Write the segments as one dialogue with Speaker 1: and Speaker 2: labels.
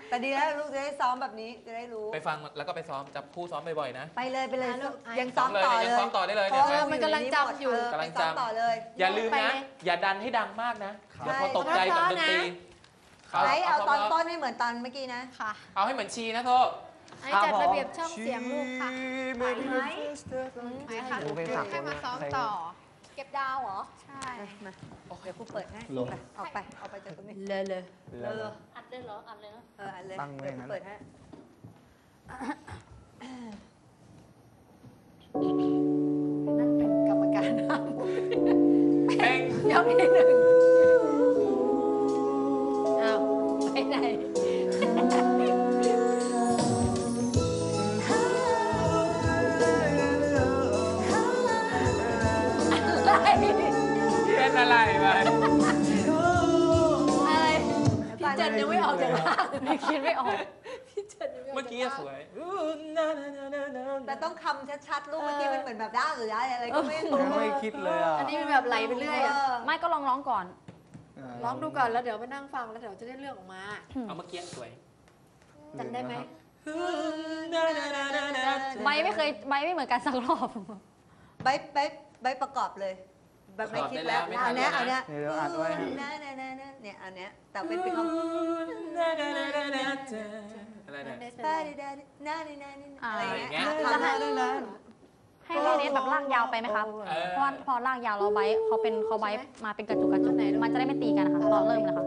Speaker 1: แต่ดีแล้วลูกจะได้ซ้อมแบบนี้จะได้รู้
Speaker 2: ไปฟังแล้วก็ไปซ้อมจับคู่ซ้อมบ่อยๆนะ
Speaker 1: ไปเลย
Speaker 3: ลูก
Speaker 1: ยังซ้อมต่อเลย
Speaker 2: ยังซ้อมต่อได้เลย
Speaker 1: เพ
Speaker 2: เนี่ย
Speaker 1: ราะว่า
Speaker 3: มันกำลังจำอยู่
Speaker 2: กำลัง
Speaker 1: ไปซ้อม
Speaker 2: จำ
Speaker 1: ต่อเลย
Speaker 2: อย่าลืม
Speaker 3: ไป
Speaker 2: นะ
Speaker 3: เลย
Speaker 2: อย่าดันให้ดังมากนะ
Speaker 1: ใช่
Speaker 2: เดี๋ยวพอตกใจกับดนตรี
Speaker 1: ไหนเอาตอน
Speaker 2: พ
Speaker 1: ต้นให้เหมือนตอนเมื่อกี้นะ
Speaker 3: ค่ะ
Speaker 2: เอาให้เหมือนชีนะโทษ
Speaker 3: อันนี้จัดระเบียบช่องเสียงลูกค่ะไปค่ะ
Speaker 4: เพลงสากล
Speaker 3: ให้มาซ้อม
Speaker 4: เพลง
Speaker 3: ต่อ เก็บดาวเหรอ ใช่
Speaker 1: มาเดี๋ยวกูเปิดให้
Speaker 4: ลง
Speaker 1: ออกไปจากตรงนี้
Speaker 3: เลย
Speaker 5: อัดเลยเหรอ อัดเลยเนาะ
Speaker 1: อันเลย
Speaker 4: ตั้งไว้
Speaker 1: เดี๋ยว
Speaker 4: อย่างนั้
Speaker 1: กู
Speaker 4: น
Speaker 1: เปิดให้
Speaker 3: นั่นเป็นกรรมการห้าม
Speaker 2: เพลง
Speaker 3: ยกที่หนึ่งอ้าวไปไหนอะไร
Speaker 2: เป็นอะไรไป
Speaker 3: อะไรพี่เจนยังไม่ออกจากบ้านพี่คิดไม่ออกพี่เจนยังไม่ออก
Speaker 2: เมื่อกี้
Speaker 3: จาก
Speaker 2: ส
Speaker 3: บ้าน
Speaker 2: วย
Speaker 1: แต่ต้องคำชัดๆลูกเมื่อกี้มันเหมือนแบบด้าหรือได้อะไรก็ไม่รู้
Speaker 4: ไม่คิดเลยอ่ะ
Speaker 3: อันนี้เป็นแบบไหลไปเรื่อยอะ
Speaker 6: ไม่ก็ลองร้องก่อน
Speaker 3: ร้องดูก่อนแล้วเดี๋ยวมานั่งฟังแล้วเดี๋ยวจะได้เรื่องออกมา
Speaker 2: เอาเมื่อกี้สวย
Speaker 3: จำได้ไหม
Speaker 6: ไม่ไม่เหมือนกันสักรอบ
Speaker 1: ใบประกอบเลย แบบไม่คิดแล้วเอาเนี้ย
Speaker 4: เดี๋ยวอัดไว้ให้
Speaker 1: เนี่ยเอาเนี้ยแต่เป็นคำ
Speaker 2: อะไรเนี่ย
Speaker 1: อะไรเงี้ย
Speaker 6: จะให้ให้เนทแบบลากยาวไปไหมครับ เพราะว่าพอลากยาวเราไบท์เขาไบท์มาเป็นกระจุกมันจะได้ไม่ตีกันนะคะตอนเริ่มเลยค่ะ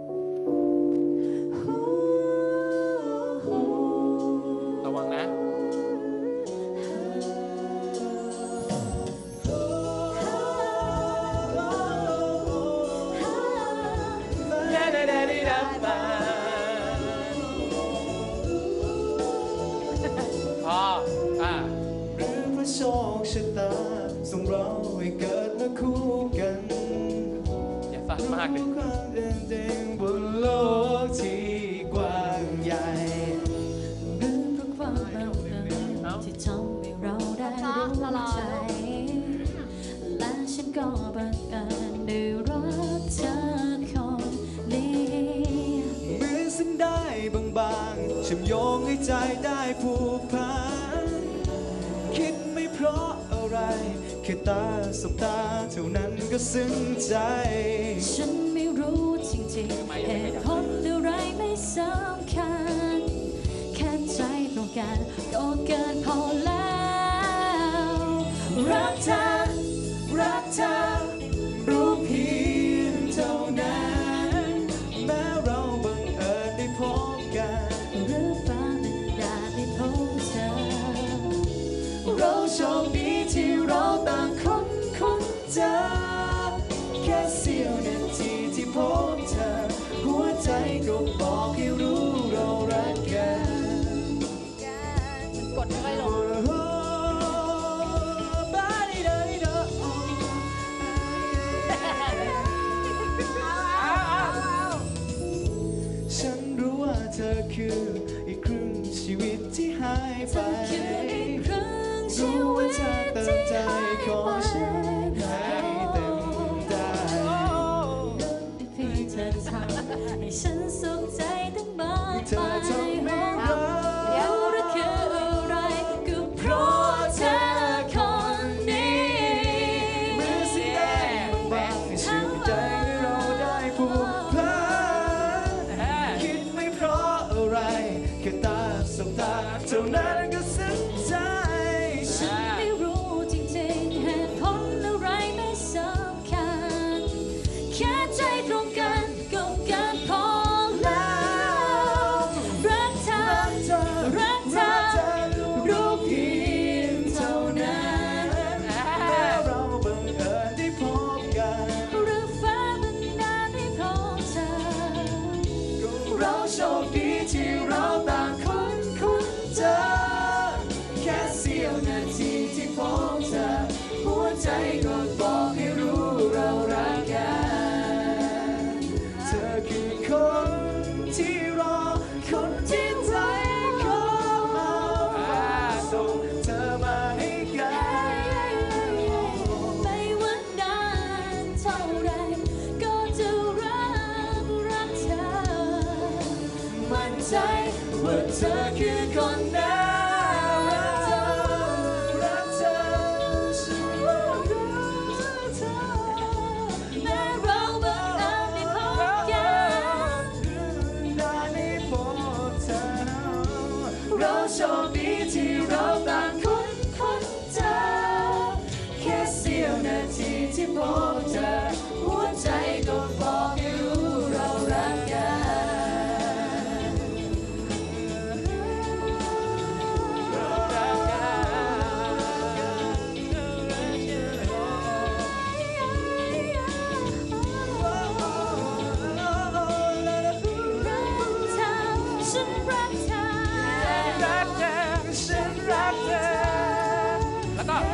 Speaker 2: ระวังนะพอ
Speaker 4: หรือเพราะโชคชะตาส่งเราให้เกิดมาคู่กัน
Speaker 2: อย่าสั่นมากดิ
Speaker 4: รู้ความเป็นจริงบนโลกที่กว้างใหญ่
Speaker 7: หรือเพราะความบังเอิญที่ทำให้เราได้รู้ใจ และฉันก็บังเอิญได้รักเธอคนนี้
Speaker 4: เหมือนสิ่งได้บางๆเชื่อมโยงให้ใจได้ผูกพันคิดไม่เพราะอะไรแค่ตาสบตาเท่านั้นก็ซึ้งใจ
Speaker 7: ฉันไม่รู้จริงๆเหตุผลอะไรไม่สำคัญแค่ใจตรงกันก็เกินพอแล้วรักเธอ
Speaker 4: รักเธอรู้เพียงเท่านั้นแม้เราบังเอิญได้พบกัน
Speaker 7: หรือฟ้าบันดาลให้พบเธอ
Speaker 4: เราโชคดีที่เราต่างคนเจอแค่เสี้ยวนาทีที่พบเธอหัวใจก็บอกให้รู้เรารักกัน
Speaker 3: มันกดไม่ค่อยลง
Speaker 4: ฉันรู้ว่าเธอคืออีกครึ่งชีวิตที่หายไป
Speaker 7: เธอคืออีกครั้งชี
Speaker 4: รู้
Speaker 7: วิ
Speaker 4: ว่า
Speaker 7: ต
Speaker 4: เธอเติม
Speaker 7: ที่
Speaker 4: ใจ
Speaker 7: หาย
Speaker 4: ของ
Speaker 7: ไป
Speaker 4: ฉันให้เต็มได้
Speaker 7: เพียงเธอทำให้ฉันสุขใจตั้งมาก
Speaker 4: เธอ
Speaker 7: มาย
Speaker 4: ทำให้เรา
Speaker 7: รู้หรือคืออะไรก็เพราะเธอคนนี้
Speaker 4: เมื่อสิ่งใดบางที่เชื่อมใจให้เราได้ผูกพันคิดไม่เพราะอะไรแค่ตาสบตาเท่านั้นก็ซึ้งใจ
Speaker 7: ฉันไม่รู้จริงๆเหตุผลอะไรไม่สำคัญแค่ใจตรงกันก็เกินพอแล้วรักเธอ รักเธอ
Speaker 4: รู้เพียงเท่านั้นแม้เราบังเอิญได้พบกัน
Speaker 7: หรือฟ้าบันดาลให้พบเธอ
Speaker 4: เราโชคดีที่เราต่างคนเจอแค่เสี้ยวนาทีที่พบเธอหัวใจก็บอกให้รู้เรารักกันเธอคือคนที่รอคนที่ใจของเราส่งเธอมาให้กัน
Speaker 7: ไม่ว่านานเท่าไรก็จะรักเธอ
Speaker 4: มั่นใจว่าเธอคือคนนั้นรักเธอฉันรักเธอ
Speaker 7: แม้เราบังเอิญได้พบกัน
Speaker 4: ได้พบเธอเราโชคดีที่เราต่างคนเจอแค่เสี้ยวนาทีที่พบเธอหัวใจก็บอกให้รู้เรารักกัน
Speaker 7: ฉันรักเธอ
Speaker 2: รักเธอ
Speaker 4: ฉันรักเธอ
Speaker 2: แล้วก็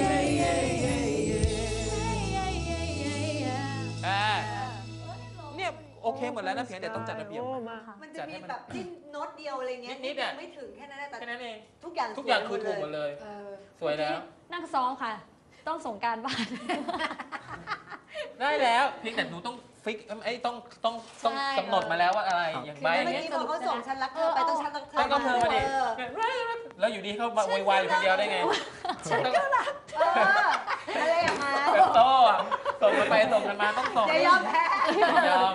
Speaker 2: เนี่ยโอเคหมดแล้วนะเพียงแต่ต้องจัดระเบียบ
Speaker 1: มันจะมีแบบจิ้มโน้ตเดียวอะไรเงี้ย
Speaker 2: นิดๆอะ
Speaker 1: ไม่ถึงแค่นั้นแหละแต่
Speaker 2: แค่นั้นเอง
Speaker 1: ทุกอย่าง
Speaker 2: ทุกอย่างคือถูกหมดเลย สวยแล้ว
Speaker 6: นั่งซ้อมค่ะ ต้องส่งการบ้าน
Speaker 2: ได้แล้วเพียงแต่หนูต้องฟิกไอ้ต้องกำหนดมาแล้วว่าอะไรอย่าง
Speaker 1: คือ
Speaker 2: ใบ
Speaker 1: เมื่อกี้พอเขาส่งฉันรักเธอไปต้องฉันรักเธอ
Speaker 2: ต้องเธอมาดิ
Speaker 1: เออ
Speaker 2: แล้วอยู่ดีเขามาโวยวายอยู่คนเดียวได้ไงต้อง
Speaker 1: อะไรอย่างมา
Speaker 2: แบบโต้อะส่งกันไปส่งกันมาต้องส่ง
Speaker 1: จะยอมแพ้
Speaker 2: ยอม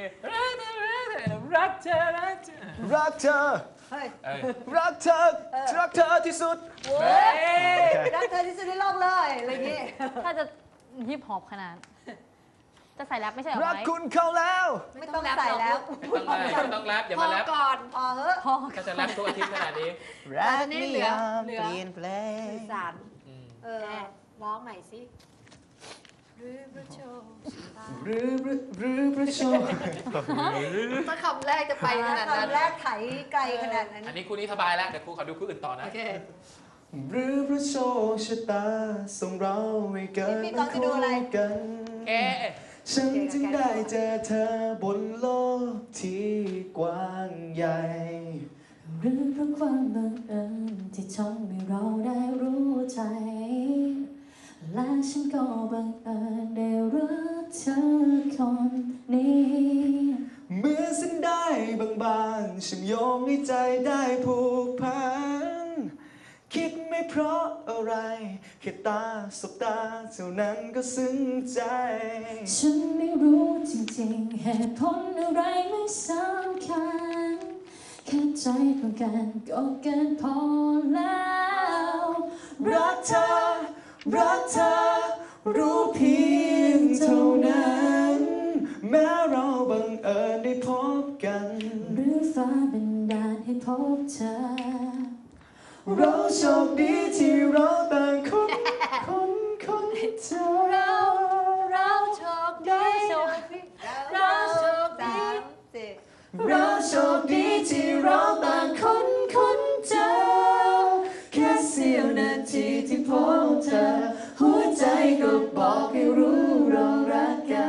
Speaker 2: รักเธอรักเธอ
Speaker 4: รักเธอ
Speaker 1: เฮ้ย
Speaker 2: เอ้ย
Speaker 4: รักเธอรักเธอที่สุด
Speaker 1: โว้ยรักเธอที่สุดในโลกเลยอะไรอย่างงี้
Speaker 6: ถ้าจะฮิปฮอปขนาด จะใส่แรปไม่ใช่เหรอ
Speaker 4: รัก
Speaker 6: ไว้
Speaker 4: คุณเขาแล้ว
Speaker 1: ไม่ต้องใส่แล้ว
Speaker 2: ไม่ต้องแรปอย่ามาแรป
Speaker 3: ก่อน
Speaker 1: พอเหอะ
Speaker 6: พอ
Speaker 2: ถ้าจะแรปทุกอาทิตย์ขนาดนี้
Speaker 4: รัก
Speaker 3: นี่
Speaker 4: นิ
Speaker 3: เหลือย
Speaker 4: าม
Speaker 3: เหลือ
Speaker 4: เปลี่ยนแปลง
Speaker 3: สื่อสาร
Speaker 1: เออ
Speaker 3: ร้องใหม่สิหรือประโชว์
Speaker 4: หรือประโชค
Speaker 3: ถ้าคำแรกจะไปขนาดนั้น
Speaker 1: คำแรกไถไกลขนาดนั้น
Speaker 2: อันนี้คู่นี้สบายแล้วเดี๋ยวครูขอดูคู่อื่นต่อนะ
Speaker 3: โอเค
Speaker 4: หรือพระโชคชะตาส่งเราให้เกิด
Speaker 1: พี่กองจะดูอะไร
Speaker 4: กัน
Speaker 2: เอ๊ะ
Speaker 4: ฉันจึงได้เจอเธอบนโลกที่กว้างใหญ่
Speaker 7: หรือเพราะความบังเอิญที่ทำให้เราได้รู้ใจ และฉันก็บังเอิญได้รักเธอคนนี้
Speaker 4: เมื่อสิ้นได้บางๆฉันโยงให้ใจได้ผูกพัน คิดไม่เพราะอะไรแค่ตาสบตาเท่านั้นก็ซึ้งใจ
Speaker 7: ฉันไม่รู้จริงๆเหตุผลอะไรไม่สำคัญแค่ใจตรงกันก็เกินพอแล้ว
Speaker 4: รักเธอ รักเธอ รู้เพียงเท่านั้น แม้เราบังเอิญได้พบกัน
Speaker 7: หรือฟ้าบันดาลให้พบเธอ
Speaker 4: เราโชคดีที่เราต่างคนเจอ
Speaker 3: เราโชคดีเราโชคดี
Speaker 4: เราโชคดีที่เราต่างคนเจอแค่เสี้ยวนาทีที่พบเธอหัวใจก็บอกให้รู้เรารักกัน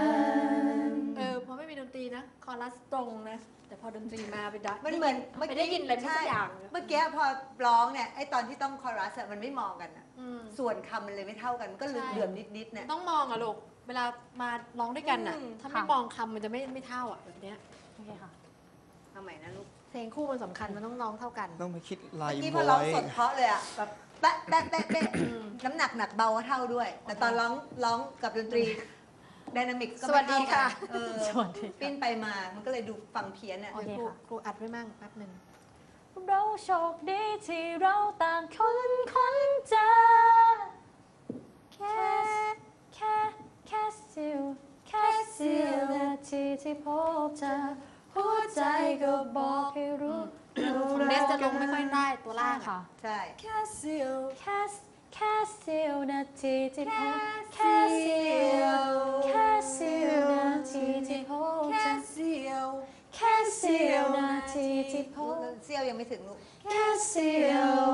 Speaker 3: พอไม่มีดนตรีนะ คอรัสตรงนะ แต่พอดนตรีมาไปดั
Speaker 1: มันเหมือน
Speaker 3: ไปได้ยินอะไรไม่สักอย่าง
Speaker 1: เมื่อกี้พอร้องเนี่ยไอตอนที่ต้องคอรัสอะมันไม่มองกันอะ
Speaker 3: อืม
Speaker 1: ส่วนคำมันเลยไม่เท่ากันมันก็เหลื่อมนิดๆเนี่ย
Speaker 3: ต้องมองอะลูก เวลามาร้องด้วยกันอะ
Speaker 1: อืม
Speaker 3: ถ้าไม่มองคำมันจะไม่เท่าอะแบบเนี้ย
Speaker 6: โอเคค่ะ
Speaker 1: ทำไมนะลูก
Speaker 3: เพลงคู่มันสำคัญมันต้องร้องเท่ากัน
Speaker 4: ต้องไปคิดลาย
Speaker 1: เมื่อกี้
Speaker 4: บ
Speaker 1: พอ
Speaker 4: อ
Speaker 1: ร้อง
Speaker 4: ย
Speaker 1: สดเพราะเลยอะแบบแปะแปะแปะแปะน้ำหนักหนักเบาก็เท่าด้วย แต่ตอนร้องกับดนตรีไดนามิกก็
Speaker 3: สวั
Speaker 1: ไม่
Speaker 3: สดี
Speaker 1: เท่ากั
Speaker 3: ค่ะ
Speaker 1: นเออ
Speaker 6: สวัสดีค่ะ
Speaker 1: ปิ้นไปมามันก็เลยดูฟังเพี้ยนอะ
Speaker 6: โอเคค่ะ
Speaker 3: ครูอัดไว้มั่งแป๊บหนึ่ง
Speaker 6: เราโชคดีที่เราต่างคนเจอแค่เสี้ยวนาทีที่พบเธอหัวใจก็บอกให้รู้
Speaker 3: ของเนสจะลงไม่ค่อยได้ตัวล่าง
Speaker 6: ค่ะ
Speaker 1: ใช่
Speaker 6: แค่เสี้ยวนาทีที่พบแค่เสี้ยวนาทีที่พบเธอ
Speaker 3: เสียว
Speaker 6: แค่เสี้ยวนาทีที่พบ
Speaker 1: เซี่ยวยังไม่ถึงลูก
Speaker 6: แค่เสี้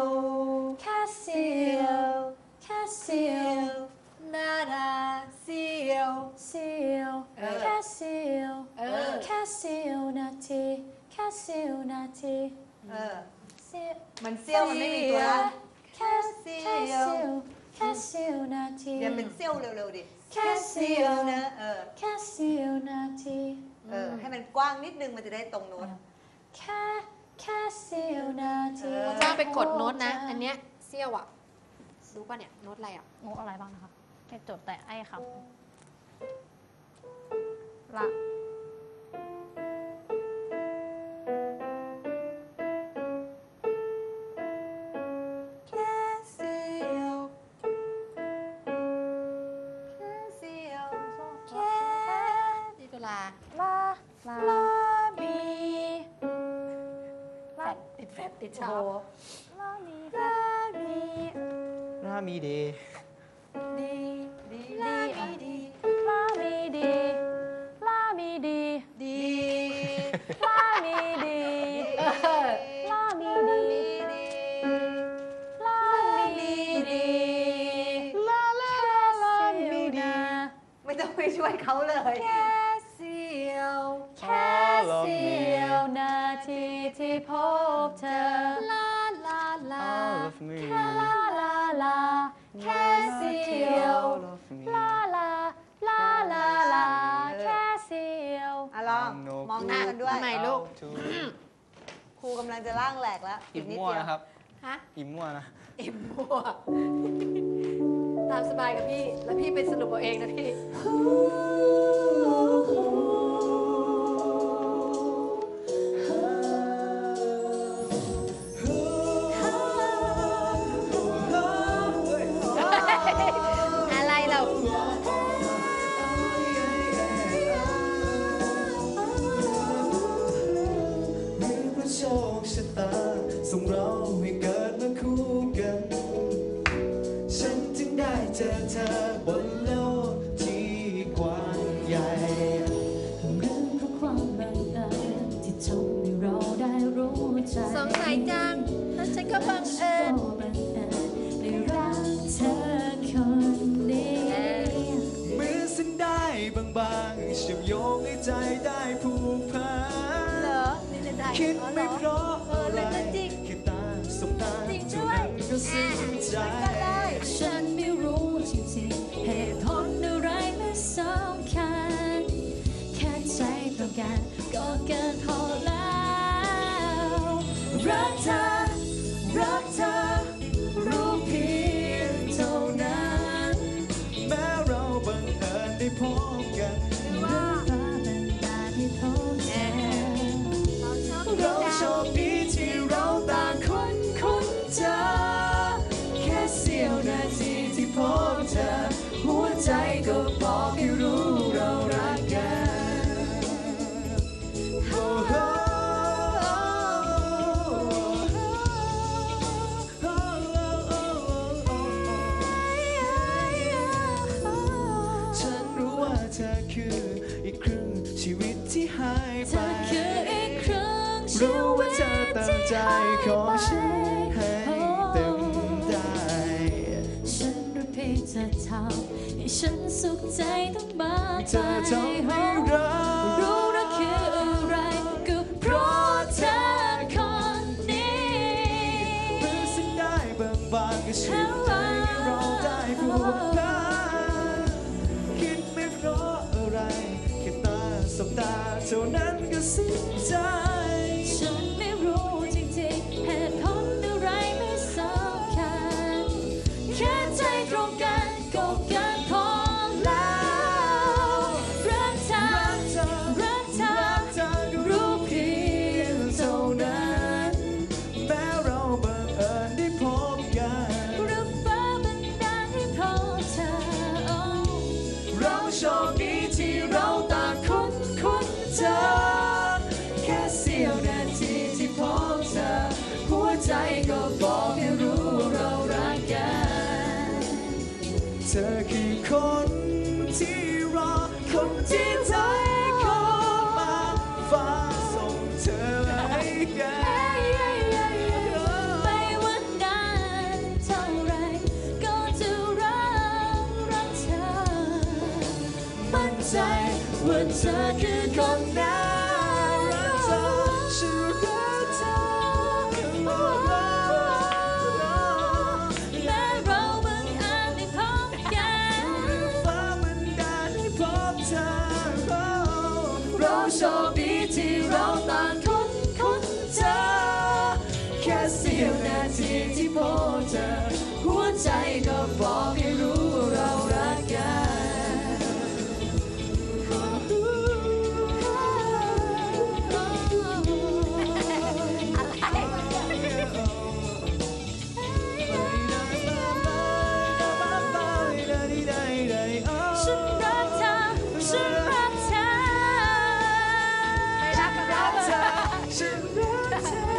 Speaker 6: ยว
Speaker 3: นาดาเสียว
Speaker 6: แค่เสี้ยวนาทีแค่เสี้ยวนาที
Speaker 1: เออ
Speaker 6: เสี้ยว
Speaker 1: มันเซี่ยวมันไม่มีตัวละ
Speaker 6: แค่เสี้ยวนาที
Speaker 1: อย่าเป็นเซี่ยวเร็วๆดิ
Speaker 6: แค่เสี้ยว
Speaker 1: นะ
Speaker 6: แค่เสี้ยวนาที
Speaker 1: ให้มันกว้างนิดนึงมันจะได้ตรงโน้ต
Speaker 6: แค่
Speaker 3: ไปกดโน้ตนะ อันเนี้ยเซี่ยวอ่ะรู้ป่ะเนี่ยโน้ตอะไรอ่ะ
Speaker 6: โน้ตอะไรบ้างนะคะให้จดแต่ไอ้คำละ
Speaker 1: แค่เสียวแค่เสียวแค่
Speaker 3: ดีตุลา
Speaker 6: ลาลาบี
Speaker 3: แฟดติดแฟดติด
Speaker 6: โอ้
Speaker 3: ชา
Speaker 6: โหลาบีลาบี
Speaker 4: รามีเดย์
Speaker 1: ดีดี
Speaker 6: ลาบีดีลาบีดีลาบีดี
Speaker 1: ดี
Speaker 6: ลาบีดีลาบีดีลาบีดีลาลาลาบีดี
Speaker 1: ไม่ต้องไปช่วยเขาเลย
Speaker 6: แค่เสียวแค่เสียวนาทีที่พบเธอลาลาลา
Speaker 4: All of me
Speaker 6: ลาลาลาแค่เสียว
Speaker 4: All of me
Speaker 6: ลาลาลาลาลาแค่เสียว
Speaker 1: อ่ะลองมองหน้ากันด้วย
Speaker 3: ทำไมลูก
Speaker 4: to
Speaker 1: ครูกำลังจะล่างแหลกแล้ว
Speaker 4: อิ่ม
Speaker 1: นิด
Speaker 4: มั่ว
Speaker 1: เดียว
Speaker 4: นะครับ
Speaker 3: ฮะ
Speaker 4: อิ่มมั่วนะ
Speaker 3: อิ่มมั่วตามสบายกับพี่แล้วพี่ไปสรุปเอาเองนะพี่ อะไรเรา
Speaker 4: หรือเพราะโชคชะตาส่งเราให้เกิดมาคู่กัน ฉันจึงได้เจอเธอบนโลกที่กว้างใหญ่
Speaker 7: เรื่องเพราะความบังเอิญที่ทำให้เราได้รู้ใจ
Speaker 3: สงสัยจังแล้วฉันก็บังเอิญ
Speaker 7: ก็บังเอิญได้รักเธอคนนี้
Speaker 4: เหมือนสิ่งได้บางๆเชื่อมโยงให้ใจได้ผูกพั
Speaker 3: เหร
Speaker 4: น
Speaker 3: อนี่เล่นได้
Speaker 4: คิด
Speaker 3: อ๋อเหร
Speaker 4: ไม่
Speaker 3: อ
Speaker 4: เพราะ
Speaker 3: เออ
Speaker 4: อะไร
Speaker 3: เล่นได้จริง
Speaker 4: แค่ตาสบตา
Speaker 3: จริงด้
Speaker 4: เท่า
Speaker 3: วย
Speaker 4: นั้นก็สิ้นใจ
Speaker 7: ฉันไม่รู้จริงๆเหตุผลอะไรไม่สำคัญแค่ใจตรงกันก็เกินพอแล้ว
Speaker 4: รักเธอ รักเธอ รู้เพียงเท่านั้น แม้เราบังเอิญได้พบกัน
Speaker 7: ฟ้าบันดาลให้พบเธอ
Speaker 4: เราโชคดีที่เราต่างคนเจอ แค่เสี้ยวนาทีที่พบเธอ หัวใจก็บอกให้รู้เรารักกันโอ้โหฉันรู้ว่าเธอคืออีกครึ่งชีวิตที่หาย
Speaker 7: เธ
Speaker 4: ไป
Speaker 7: อคืออีกครึ่งชี
Speaker 4: รู้
Speaker 7: วิ
Speaker 4: ว่า
Speaker 7: ต
Speaker 4: เธอตั้งใจขอฉันให้เต็มใจ
Speaker 7: ฉันรู้เพียงเธอทำให้ฉันสุขใจต้องมาก
Speaker 4: เธอทำให้เรา
Speaker 7: รู้รักคืออะไรก็เพราะเธอคนนี้
Speaker 4: เมื่อสิ่งได้บางๆก็เชื่อใจให้เราได้ผูกพันคิดไม่เพราะอะไรแค่ตาสบตาเท่านั้นก็สิ้นใจ
Speaker 7: ฉันไม่รู้จริงๆเหตุผลอะไรไม่สำคัญแค่ใจตรงกันก็เกินพอแล้วรักเธอ รักเธอ
Speaker 4: รักเธอก็รู้เพียงเท่านั้นแม้เราบังเอิญได้พบกัน
Speaker 7: หรือฟ้าบันดาลให้พบเธอ
Speaker 4: เราโชคดีที่เราต่างคนเจอ แค่เสี้ยวนาทีที่พบเธอ หัวใจก็บอกให้รู้เรารักกัน เธอคือคนที่รอ คนที่ใจขอมาฟ้าส่งเธอให้กัน
Speaker 7: ไม่ว่านานเท่าไรก็จะรักเธอ
Speaker 4: มั่นใจว่าเธอคือคนนั้นรักเธอฉันรักเธอ
Speaker 7: แม้เราบังเอิญได้พบกัน
Speaker 4: ฟ้ามันดาลให้พบเธอ เราโชคดีที่เราต่างคนเจอ แค่เสี้ยวนาทีทีที่พบเธอหัวใจก็บอกให้รู้เรารักกัน
Speaker 7: ฉันรักเธอฉันรักเธอ
Speaker 3: ไม่รักกับเราเลย
Speaker 4: ฉันรักเธอ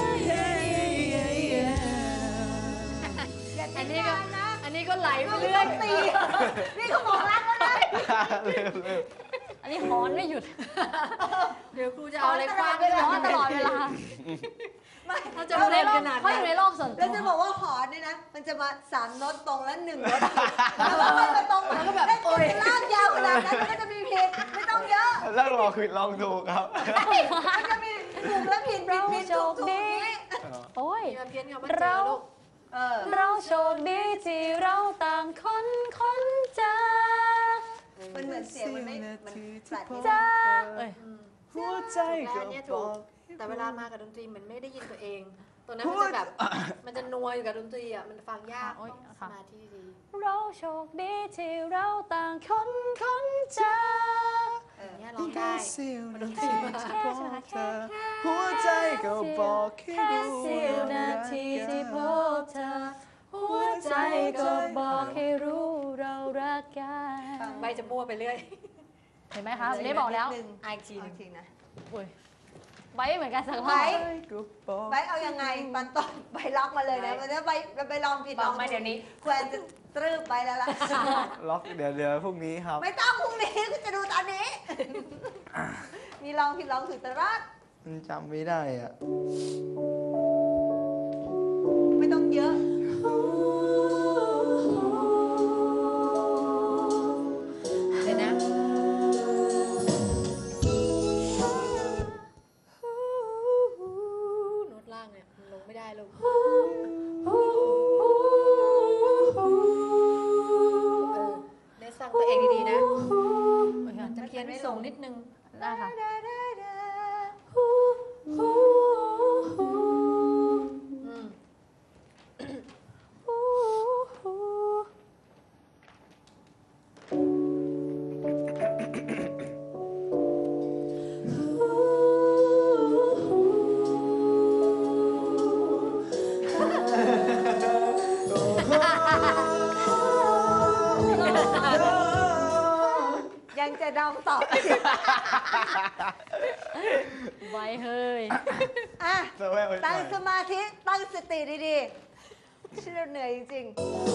Speaker 3: อันนี้ก็ไหลไปเรื่อย
Speaker 1: ตีนี่เขาบอกรักแล้วนะ
Speaker 6: อันนี้ฮ้อนไม่หยุด
Speaker 3: เดี๋ยวครูจะเอาอะไรคว้างไป
Speaker 6: ฮ้อนตลอดเวลา
Speaker 1: ไม่
Speaker 3: เขาจะเล่นขนาด
Speaker 6: เขา
Speaker 3: นั้
Speaker 6: อน ยู่ในโลกส่วนตั
Speaker 1: แล้ว
Speaker 6: ว
Speaker 1: จะบอกว่าหอนเนี่ยนะ มันจะมา3 โน้ตตรงแล้ว1 โน้ตแล้วก็ไม่มาตรงแล้วก็แบบโอ้ยลากยาวขนาดนั้นมันก็จะมีผิดไม่ต้องเยอะ
Speaker 8: แล้วลองคือลองถูกครับ
Speaker 1: มันจะมีถูกและผิดผิดผิดถูกถูกนี้
Speaker 6: โอ้ย
Speaker 3: เพี้ยนคำว่าเจอลูก
Speaker 6: เราโชคดีที่เราต่างคนเจอ
Speaker 1: มันเหมือนเสียงมันไม่มันแฟลตนิด
Speaker 6: เจ
Speaker 1: นึง
Speaker 6: อเอ้ย
Speaker 4: หัวใจ
Speaker 3: แต่
Speaker 4: ก็
Speaker 3: อันเนี้ย
Speaker 4: บ
Speaker 3: ถู
Speaker 4: อก ก
Speaker 3: แต่เวลามากับดนตรีมันไม่ได้ยินตัวเอง ตัวนั้นมันจะแบบมันจะนัวอยู่กับดนตรีอ่ะมันฟังยาก
Speaker 6: โอ๊ย
Speaker 3: ต้องส
Speaker 6: ค่ะ
Speaker 3: มาธิดี
Speaker 6: เราโชคดีที่เราต่างคนเจอ
Speaker 3: อย่างเงี้ยร้องได้
Speaker 4: เสี้ยว
Speaker 3: มันด
Speaker 4: นาน
Speaker 3: ตรี
Speaker 4: ที
Speaker 3: มา
Speaker 4: ที่พบเธอหัวใจก็บอกให้
Speaker 6: แค่
Speaker 4: รู้
Speaker 6: เสี้ยวนาทีที่พบเธอ หัวใจก็บอกให้รู้เรารักกัน
Speaker 3: ใบจะมั่วไปเรื่อย
Speaker 6: เห็นไหมคะได้บอกแล้ว
Speaker 3: อายที
Speaker 1: เอาจริงนะ
Speaker 6: อุ้ยไว้เหมือนกันสักร
Speaker 1: ไว้
Speaker 6: อบ
Speaker 4: ก็บอก
Speaker 1: ไปเอายังไงตอนต้นไปล็อกมาเลยนะมันจะไปลองผิด
Speaker 6: บ
Speaker 1: ล
Speaker 6: อ
Speaker 1: อก ง
Speaker 6: มาเดี๋ยวนี้
Speaker 1: แควนจะตรึบไปแล้วล่ะ
Speaker 8: ล็อกเดี๋ยวพรุ่งนี้ครับ
Speaker 1: ไม่ต้องพรุ่งนี้ก็จะดูตอนนี้ มีลองผิดลองถูกแต่รอด
Speaker 8: มันจำไม่ได้อ่ะ
Speaker 1: ไม่ต้องเยอะ
Speaker 3: เดี๋ยวนะโน้ตล่างเนี่ยมันลงไม่ได้ลูกเนสฟังตัวเองดีๆนะมันจะเพี้ยนไม่ส่งนิดนึง
Speaker 6: ได้ค่ะ
Speaker 3: อืม
Speaker 1: ยังจะดองต่อ
Speaker 6: ไว้เฮ้ย
Speaker 1: อ่ะ
Speaker 8: สแววไว้
Speaker 1: ตั้ง
Speaker 8: หน่อย
Speaker 1: สมาธิ ตั้งสติดีๆฉันเหนื่อยจริง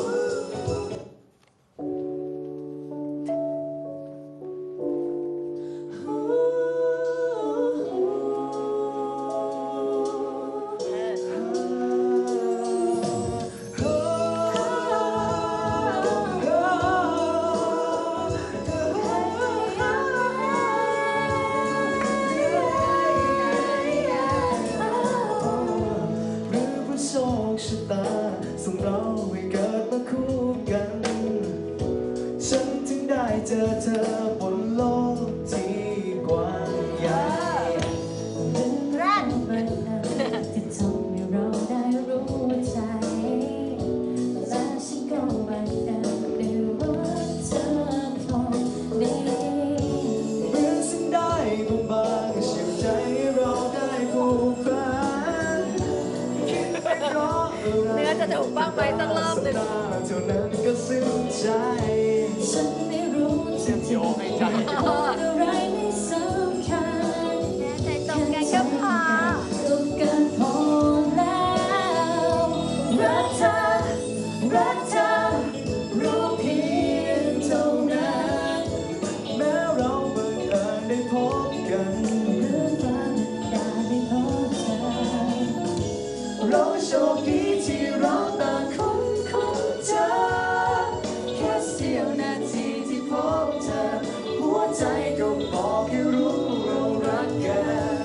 Speaker 4: หรือว่าโชคชะตาส่งเราให้เกิดมาคู่กัน ฉันถึงได้เจอเธอบนโลกที่กว้างใหญ่
Speaker 1: ๆแรก
Speaker 7: ที่ทำให้เราได้รู้ใจ และฉันก็บังเอิญได้รักเธอคนนี้
Speaker 4: เหมือนสิ่งได้บางๆเชื่อใจให้เราได้ผูกพันคิดไปเพราะอะไร
Speaker 3: เนื้อจะถูกบ้างไหมตั้งรอบหนึ่ง
Speaker 4: ตาเท่านั้นก็ซึ้งใจ
Speaker 7: ฉันไม่รู้จริง
Speaker 2: โยงให้ใจ
Speaker 7: ๆอะไรไม่สำคัญ
Speaker 6: ใจตรงกันก็พอ
Speaker 7: ตรงกันพอแล้วรักเธอรักเธอรู้เพียงเท่านั้น
Speaker 4: แม้เราบังเอิญได้พบกัน
Speaker 7: หรือว่าได้พบเธอ
Speaker 4: เราโชคดีที่เราต่างคนเจอแค่เสี้ยวนาทีที่พบเธอ หัวใจก็บอกให้รู้เรารักกัน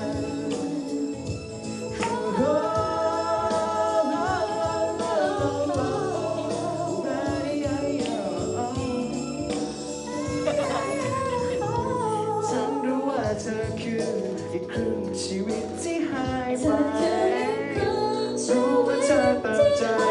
Speaker 4: ฉันรู้ว่าเธอคืออีกครึ่งชีวิตที่หายไป รู้ว่าเธอตัดใจ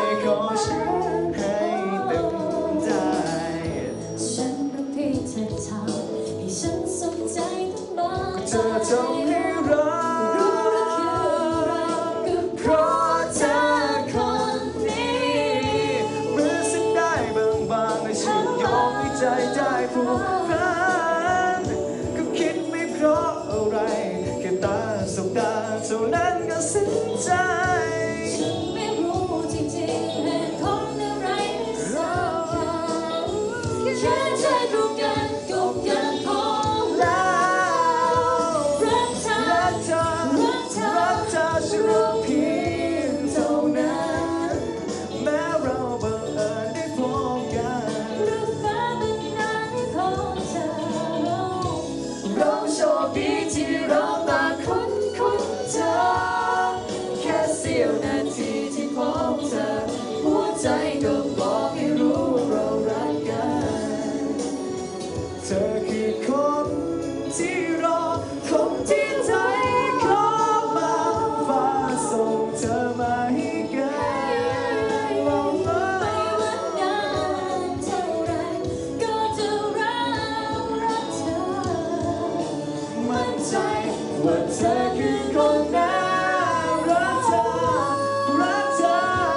Speaker 4: ส่งเธอมาให้กันเราไม่
Speaker 7: ไม่ว่านานเท่าไรก็จะรักเธอ
Speaker 4: มั่นใจว่าเธอคือคนน่ารักเธอรักเธอ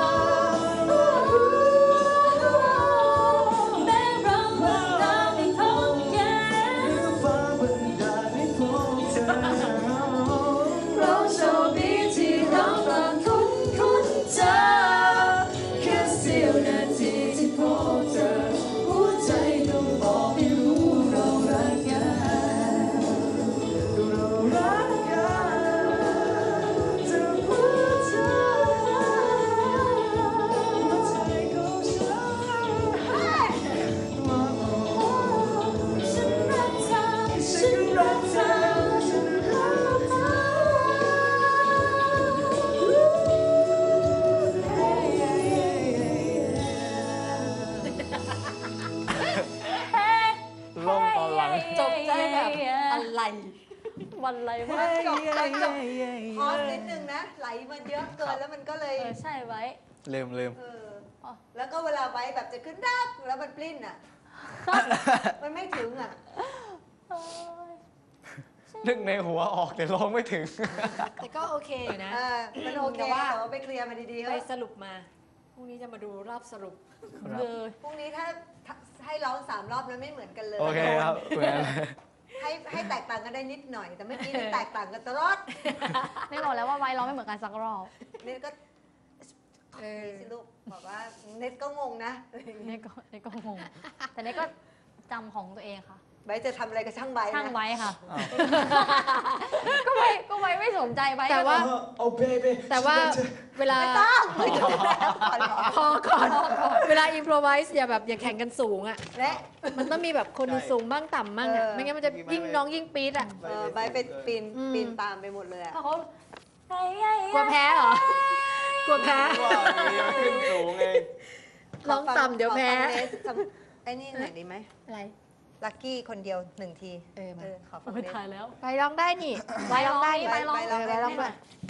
Speaker 7: แม้เราเพิ่งตามไม่พบกัน
Speaker 4: ฟ้าบันดาลให้พบเธอ
Speaker 7: เราโชคดีที่เราต่างคุ้นเจอ
Speaker 4: แค่เสี้ยวนาทีที่พบเธอหัวใจก็บอกให้รู้เรารักกันเรารักกันเธอหัวใจของฉัน
Speaker 7: ฉันรักเธอ
Speaker 4: ฉันรักเธอฉันรักเธอ
Speaker 8: ลงตอนหลัง
Speaker 3: จบได้แบบอะไร
Speaker 6: วันอะไร
Speaker 1: ต
Speaker 6: วะ
Speaker 1: อนจบพอสนิดนึงนะ ไหลมันเยอะเกินแล้วมันก็เลย
Speaker 6: ใช่ไว้
Speaker 8: ลืม
Speaker 1: เออแล้วก็เวลาไว้แบบจะขึ้นรักแล้วมันปลิ้นอ่ะ มันไม่ถึงอ่ะ
Speaker 8: นึกในหัวออกแต่ร้องไม่ถึง
Speaker 3: แต่ก็โอเคอยู่นะ
Speaker 1: มันโอเค
Speaker 3: แต่ว่า
Speaker 1: แต่ว่าไปเคลียร์มาดีๆ
Speaker 3: ไป
Speaker 1: เถอะ
Speaker 3: สรุปมา พรุ่งนี้จะมาดูรอบสรุป
Speaker 6: เลย
Speaker 1: พรุ่งนี้ถ้าให้ร้อง3 รอบแล้วไม่เหมือนกันเลย
Speaker 8: โอเคครับเหมือน
Speaker 1: ให้แตกต่างกันได้นิดหน่อย แต่เมื่อกี้นี่แตกต่างกันตลอด
Speaker 6: ไม่บอกแล้วว่าไว้เราไม่เหมือนกันสักรอบ
Speaker 1: เน็ตก็
Speaker 3: เออ
Speaker 1: สิลูกบอกว่าเน็ตก็งงนะ
Speaker 6: นี่ก็งง แต่นี่ก็จำของตัวเองค่ะ
Speaker 1: ใบจะทำอะไรก็ช่างใบนะ
Speaker 6: ช่างไว้ค่ะ
Speaker 8: อ้าว
Speaker 6: ก็ไว้ไม่สนใจไว้
Speaker 3: แต่ว่า
Speaker 4: โอ้เบบี้
Speaker 3: แต่ว่าเวลา
Speaker 1: ไม่ต้องไม่ต้องแล้วก่อน
Speaker 3: พอก่อน เวลาอิมโพรไวส์อย่าแข่งกันสูงอ่ะ
Speaker 1: และ
Speaker 3: มันต้องมีแบบคนหนึ่งสูงบ้างต่ำบ้างอ่ะ ไม่งั้นมันจะยิ่งน้องยิ่งปี๊ดอ่ะ
Speaker 1: ใบไปปีน
Speaker 3: อืม
Speaker 1: ปีนตามไปหมดเลยอะ
Speaker 6: เพราะเขา
Speaker 3: กลัวแพ้เหรอ กลัวแพ้
Speaker 8: ว่ามีมันขึ้นสูงเอง
Speaker 3: ร้องต่ำเดี๋ยวแพ้
Speaker 1: ขอฟังเนสทำไอ้นี่หน่อยดีไหม
Speaker 3: อะไร
Speaker 1: ลักกี้คนเดียว1 ที
Speaker 3: เออมา
Speaker 1: ขอฟัง
Speaker 6: ไม่
Speaker 1: เนส
Speaker 6: ถ่ายแล้ว
Speaker 3: ไปร้องได้นี่
Speaker 6: ไปร้องได้
Speaker 1: ไป
Speaker 6: ไปร้อง
Speaker 1: ไปร้อง
Speaker 3: ไปร้อง
Speaker 1: ได้
Speaker 3: มา
Speaker 1: ไหม